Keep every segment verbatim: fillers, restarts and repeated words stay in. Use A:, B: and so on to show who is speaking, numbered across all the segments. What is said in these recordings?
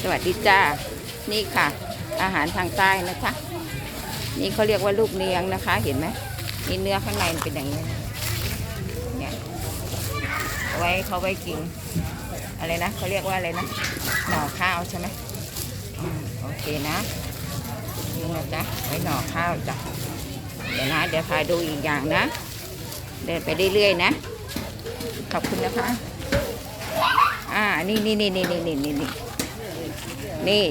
A: สวัสดีจ้านี่ค่ะอาหารทางใต้นะคะนี่เขาเรียกว่าลูกเนียงนะคะเห็นไหมนี่เนื้อข้างในมันเป็นอย่างนี้เนี่ยเอาไว้เขาไว้กินอะไรนะเขาเรียกว่าอะไรนะหน่อข้าวใช่ไหมอืมโอเคนะนี่นะจ๊ะไว้หน่อข้าวจ้ะเดี๋ยวนะเดี๋ยวพาดูอีกอย่างนะเดินไปเรื่อยๆนะขอบคุณนะคะอ่านี่นี่นี่นี่นี่นี่นี่นี่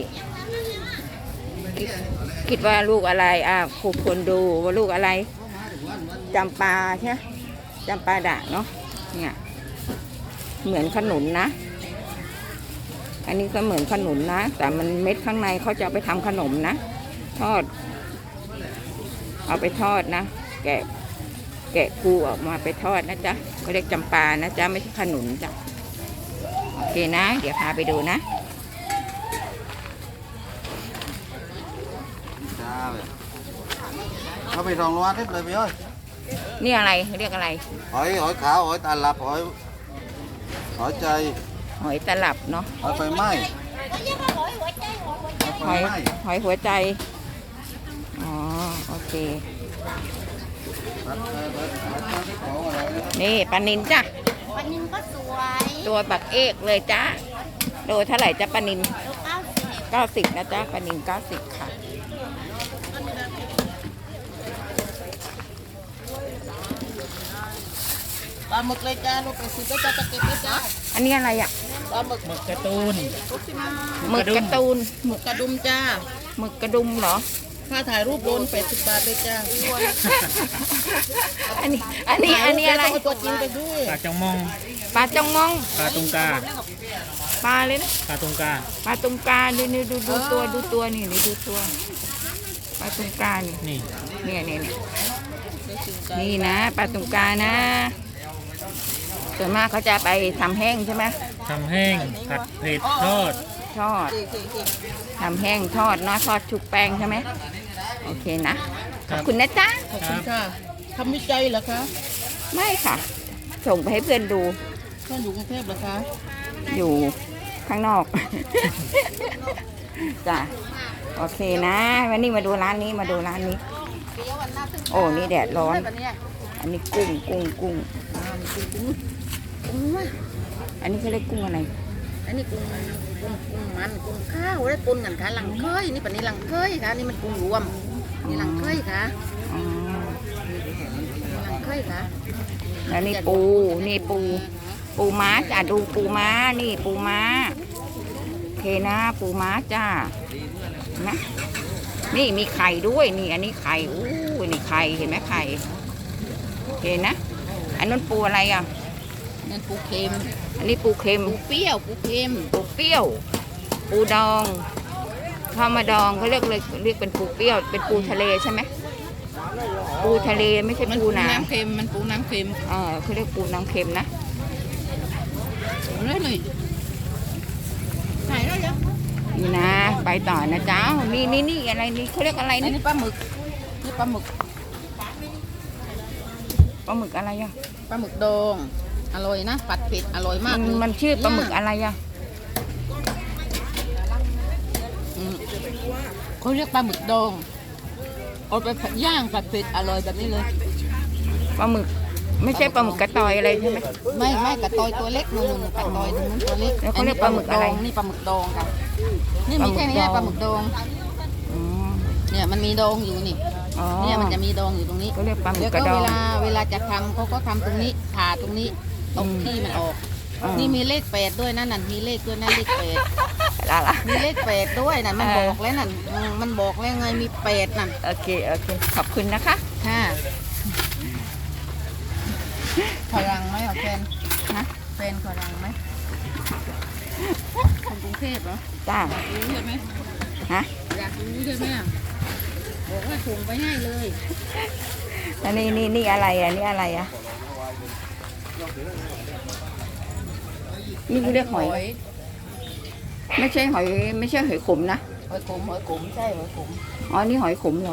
A: คิดว่าลูกอะไรอ่าครูคนดูว่าลูกอะไรจำปาใช่ไหมจำปาด่างเนาะเนี่ยเหมือนขนุนนะอันนี้ก็เหมือนขนุนนะแต่มันเม็ดข้างในเขาจะเอาไปทำขนมนะทอดเอาไปทอดนะแกะแกะกูออกมาไปทอดนะจ๊ะเขาเรียกจำปานะจ๊ะไม่ใช่ขนุนจ้ะโอเคนะเดี๋ยวพาไปดูนะ
B: เอาไปรองรวัดเลยพี่เอ้ย
A: นี่อะไรเรียกอะไร
B: หอยหอยขาวหอยตาลับหอยหอยใจ
A: หอยตลับเนาะ
B: หอยไฟไหม้
A: หอยหอยหัวใจอ๋อโอเคนี่ปลานินจ้ะ
C: ปลานินก็สวย
A: ตัวบักเอกเลยจ้ะโลเท่าไหร่จ้ะปลานิน
C: เก้าสิบ
A: เก้าสิบนะจ๊ะปลานินเก้าสิบค่ะ
C: ปลาหมึกเลยจ้าลูกไปสิบก็จะจะเก็บเลยจ้า
A: อันนี้อะไรอ่ะ
C: ปลาหมึกหมึกการ์ตูน
A: หมึกการ์ตูน
C: หมึกกระดุมจ้า
A: หมึกกระดุมเหรอ
C: ค่าถ่ายรูปโดนแปดสิบบาทเลยจ้า
A: อันนี้อันนี้อันนี้อะไร
C: ตัวจริงไปด้วย
D: ปลาจงมอง
A: ปลาจงมอง
D: ปลาตุงกา
A: ปลาเลยนะ
D: ปลาตุงกา
A: ปลาตุงกาดูนี่ดูดูตัวดูตัวนี่นี่ดูตัวปลาตุงกานี่
D: นี่
A: เนี่ยเนี่ยนี่นะปลาตุงกานะส่วนมากเขาจะไปทำแห้งใช่ไหม
D: ทำแห้งผัดเผ็ดทอด
A: ทอดทำแห้งทอดเนาะทอดชุบแป้งใช่ไหมโอเคนะขอบคุณนะจ๊ะ
C: ขอบคุณค่ะทำวิจัยเหรอคะ
A: ไม่ค่ะส่งไปให้เพื่อนดู
C: เพื่อนอยู่กรุงเทพเหรอคะ
A: อยู่ข้างนอกจ้ะโอเคนะวันนี้มาดูร้านนี้มาดูร้านนี้โอ้นี่แดดร้อนอันนี้กุ้งกุ้งกุ้งอันนี้เขาเรียกกุ้งอะไร
C: อันนี้กุ้งกุ้งกุ้งมันกุ้งข้าวแล้วกุ้งกันค่ะหลังเคยนี่ปะนี้หลังเคยค่ะนี่มันกุ้งรวมนี่หลังเคยค่ะหลังเคยค่ะ
A: แล้วนี่ปูนี่ปูปูม้าจ้ะดูปูม้านี่ปูม้าโอเคนะปูม้าจ้านะนี่มีไข่ด้วยนี่อันนี้ไข่อู้นี่ไข่เห็นไหมไข่เห็นนะอันนั้นปูอะไรอ่ะ
C: นั่นปูเค็ม
A: อันนี้ปูเค็ม
C: ปูเปรี้ยวปูเค็ม
A: ปูเปรี้ยวปูดองข้าวมาดองเขาเรียกเลยเรียกเป็นปูเปรี้ยวเป็นปูทะเลใช่ไหมปูทะเลไม่ใช่ปูน้
C: ำเค็มมันปูน้ำเค็ม
A: อ่าเขาเรียกปูน้ำเค็มนะ
C: เลยเลยถ่ายได้ยัง
A: นี่นะไปต่อนะเจ้านี่นี่นี่อะไรนี่เขาเรียกอะไร
C: นี่ปลาหมึกนี่ปลาหมึก
A: ปลาหมึกอะไรอ่ะ
C: ปลาหมึกดองอร่อยนะผัดเผ็ดอร่อยมากเลย
A: มันชื่อปลาหมึกอะไรอ่ะ
C: เขาเรียกปลาหมึกดองเอาไปย่างผัดเผ็ดอร่อยแบบนี้เลย
A: ปลาหมึกไม่ใช่ปลาหมึกกระตอยอะไรใช่ไหม
C: ไม่ไม่กระตอยตัวเล็กนู่นกระตอยนู่นตัวเล็ก
A: แล้วเขาเรียกปลาหมึกอะไร
C: นี่ปลาหมึกดองค่ะนี่มีแค่นี้ปลาหมึกดองเนี่ยมันมีดองอยู่นี่เนี่ยมันจะมีดองอยู่ตรงนี้
A: ก็เรียกปลาหมึก
C: กระดองเวลาเวลาจะทำเขาก็ทำตรงนี้ผ่าตรงนี้ตรงที่มันออกนี่มีเลขแปดด้วยนั่นนั่นมีเลขด้วยนั่นเลขแปดมีเลขแปดด้วยนั่นมันบอกแล้วนั่นมันบอกแล้วไงมีแปดนั่น
A: โอเคโอเคขอบคุณนะคะ
C: ค่ะขอรังไหมเอาแฟนนะแฟนขอรังไหมคนกรุงเทพเหรอ
A: จ้า
C: อยากรู้ใช่ไหม
A: ฮะ
C: อยากรู้ใช่ไหมบอกว่าส่งไปให้เลย
A: อันนี้นี่นี่อะไรอ่ะนี่อะไรอ่ะนี่เขาเรียกหอยไม่ใช่หอยไม่ใช่หอยขมนะ
C: หอยขมหอยขมใช่หอยขม
A: อ๋อนี่หอยขมเหรอ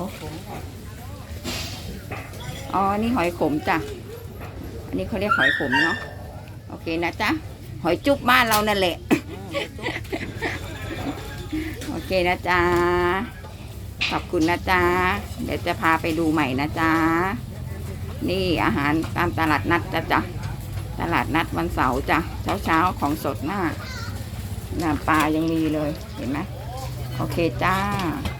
A: อ๋อนี่หอยขมจ้ะอันนี้เขาเรียกหอยขมเนาะโอเคนะจ๊ะหอยจุ๊บบ้านเรานั่นแหละเคนะจ๊ะขอบคุณนะจ๊ะเดี๋ยวจะพาไปดูใหม่นะจ๊ะนี่อาหารตามตลาดนัดจ้ะจ้ะตลาดนัดวันเสาร์จ้ะเช้าเช้าของสดมากน้ำปลายังมีเลยเห็นไหมโอเคจ้า